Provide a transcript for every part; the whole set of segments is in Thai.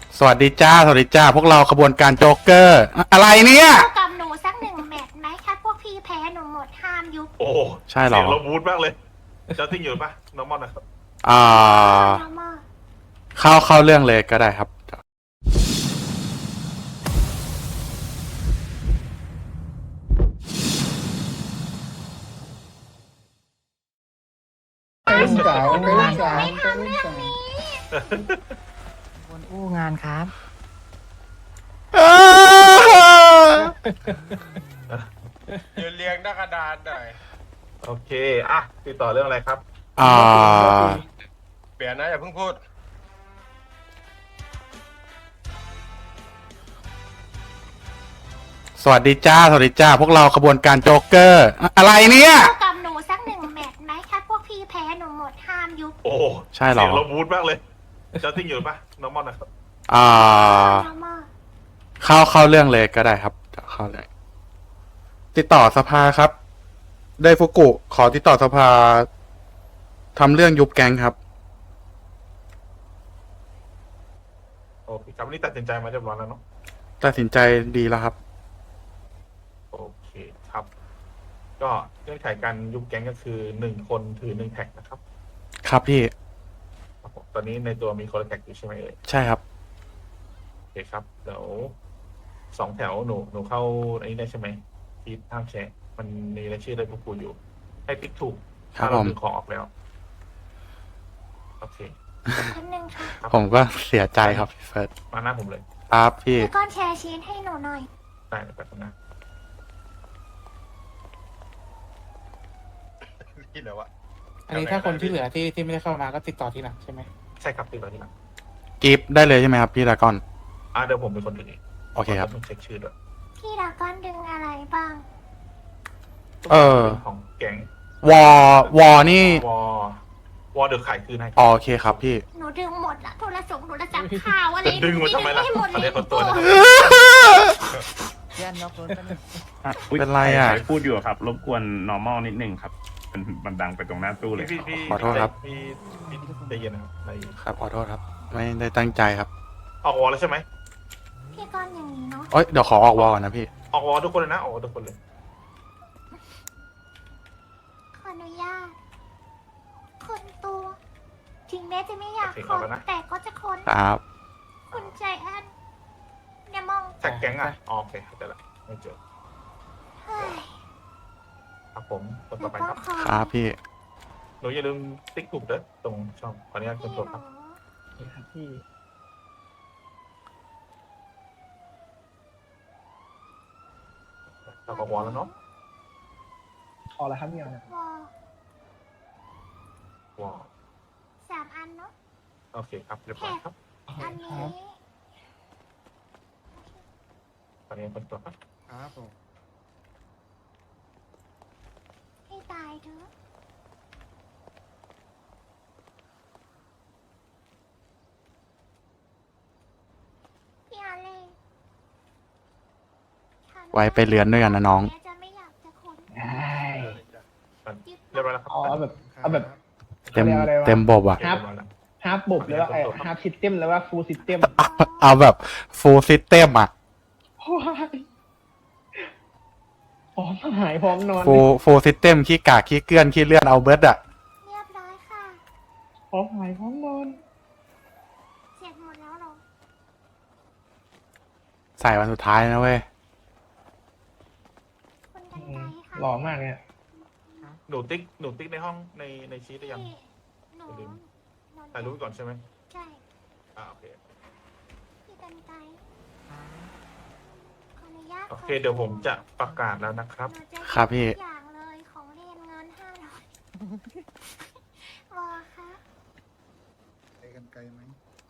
สวัสดีจ้าสวัสดีจ้าพวกเราขบวนการโจ๊กเกอร์อะไรเนี่ยสู้กับหนูสักหนึ่งแมตช์ไหมถ้าพวกพี่แพ้หนูหมดห้ามยุบโอ้ใช่เหรอเสียงเราบูดมากเลยเจ้าติ้งอยู่ปะน้องมอนนะครับอ่ามาเข้าเรื่องเลยก็ได้ครับเป็นสาวเป็นสาวไม่ทำเรื่องนี้บนอู้งานครับยืนเรียงหน้ากระดานหน่อยโอเคอ่ะติดต่อเรื่องอะไรครับอ่าเปลี่ยนนะอย่าเพิ่งพูดสวัสดีจ้าสวัสดีจ้าพวกเราขบวนการโจ๊กเกอร์อะไรเนี่ยสู้กับหนูสักหนึ่งแมตช์ไหมถ้าพวกพี่แพ้หนูหมดห้ามยุบโอ้ใช่เหรอเสียงเราบูดมากเลยเจ้าติ้งอยู่ปะน้องมอนนะครับอ่ามาเข้าเรื่องเลยก็ได้ครับเข้าเลยติดต่อสภาครับ ได้ฟุกุขอติดต่อสภาทำเรื่องยุบแก๊งครับโอเคครับวันนี้ตัดสินใจมาเรียบร้อยแล้วเนาะตัดสินใจดีแล้วครับโอเคครับ ก็เงื่อนไขการยุบแก๊งก็คือ1 คนถือ1 แท็กนะครับครับพี่ครับผมตอนนี้ในตัวมีคนละแท็กอยู่ใช่ไหมเอ่ยใช่ครับโอเคครับเดี๋ยว2 แถวหนูเข้าอันนี้ได้ใช่ไหมที่ห้ามแชร์มันมีรายชื่อได้พวกกูอยู่ ให้ติ๊กถูกครับถ้าเราผมดึงของออกแล้วโอเคคนหนึ่งค่ะครับผมก็เสียใจครับพี่เฟิร์สมาหน้าผมเลยครับพี่แล้วก็แชร์ชีทให้หนูหน่อยได้เลยแบบนั้นที่เหลือวะอันนี้ถ้าคนที่เหลือที่ไม่ได้เข้ามาก็ติดต่อที่หลังใช่ไหมใช่ครับติดต่อที่หลังกิฟต์ได้เลยใช่ไหมครับพี่ดรากอนเดี๋ยวผมเป็นคนดึงเองโอเคครับต้องเช็คชื่อด้วยพี่ดราก้อนดึงอะไรบ้างเออเป็นของแก๊งวอนี่วอเดือดขายคืนให้อ๋อโอเคครับพี่หนูดึงหมดละโทรศัพท์หนูศัพท์ข่าวอะไรจะดึงมันทำไมล่ะให้หมดเขาเลเรียยกคนตัวนะเพื่อนนอกรถกันงเป็นไรอ่ะใคพูดอยู่ครับ รบกวน normal นิดนึงครับมันดังไปตรงหน้าตู้เลยพี่ขอโทษครับพี่ใจเย็นนะครับใจเย็นครับขอโทษครับ ไม่ได้ตั้งใจครับออกวอแล้วใช่ไหมพี่ก้อนอย่างนี้เนาะเอ้ยเดี๋ยวขอออกวอก่อนนะพี่ออกวอทุกคนเลยนะออกวอทุกคนเลยขออนุญาตคนตัว ถึงแม้จะไม่อยากคนแต่ก็จะคนครับคุณใจแอนเนี่ยมองแท็กแก๊งอ่ะอ๋อโอเคเข้าใจละไม่เจอเฮ้ยครับผมคนหนูต่อไปก็ครับขอครับพี่หนูอย่าลืมติ๊กถูกเด้อตรงช่องขออนุญาตคพี่นหตัวนูครับที่เราออกวอแล้วเนาะพอแล้วครับเนี่ยวอวอ 3 อันเนาะโอเคครับเรียบร้อยครับอันนี้ขออนุญาตคนตัวครับครับผมให้ตายเถอะพี่อาเล่ฉันไว้ไปเรือนด้วยกันนะน้องแม้จะไม่อยากจะคนได้เรียบร้อยแล้วครับเอาแบบเต็มอะไรวะเต็มบบอ่ะเรียบร้อยแล้วฮาร์ปบบหรือว่าฮาร์ปซิสเต็มหรือว่าฟูลซิสเต็มเอาแบบ full system อ่ะพร้อมหายพร้อมนอน full system ขี้กากขี้เกลื่อนขี้เลื่อนเอาเบิร์ดอ่ะเรียบร้อยค่ะพร้อมหายพร้อมนอนเสร็จหมดแล้วเหรอใส่วันสุดท้ายนะเว้ยคุณกันไกค่ะหล่อมากเนี่ยหนูติ๊กในห้องในชีตได้ยังพี่หนูอย่าลืมหนูถ่ายรูปไว้ก่อนใช่ไหมใช่โอเคพี่กันไกขออนุญาตโอเคเดี๋ยวผมจะประกาศแล้วนะครับหนูจะครับพี่ทุกอย่างเลยของเรียนเงิน500วอค่ะไปกันไกลไหม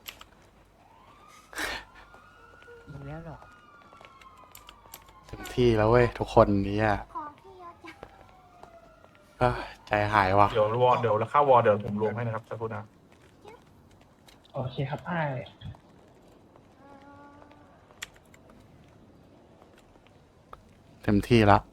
อีกแล้วเหรอเต็มที่แล้วเว้ย ทุกคนนี้อ่ะของพี่เยอะจังเอ้ยใจหายว่ะเดี๋ยวแล้วค่าวอเดี๋ยวผมรวมให้นะครับสักครู่นะโอเคครับไอ้เต็มที่แล้ว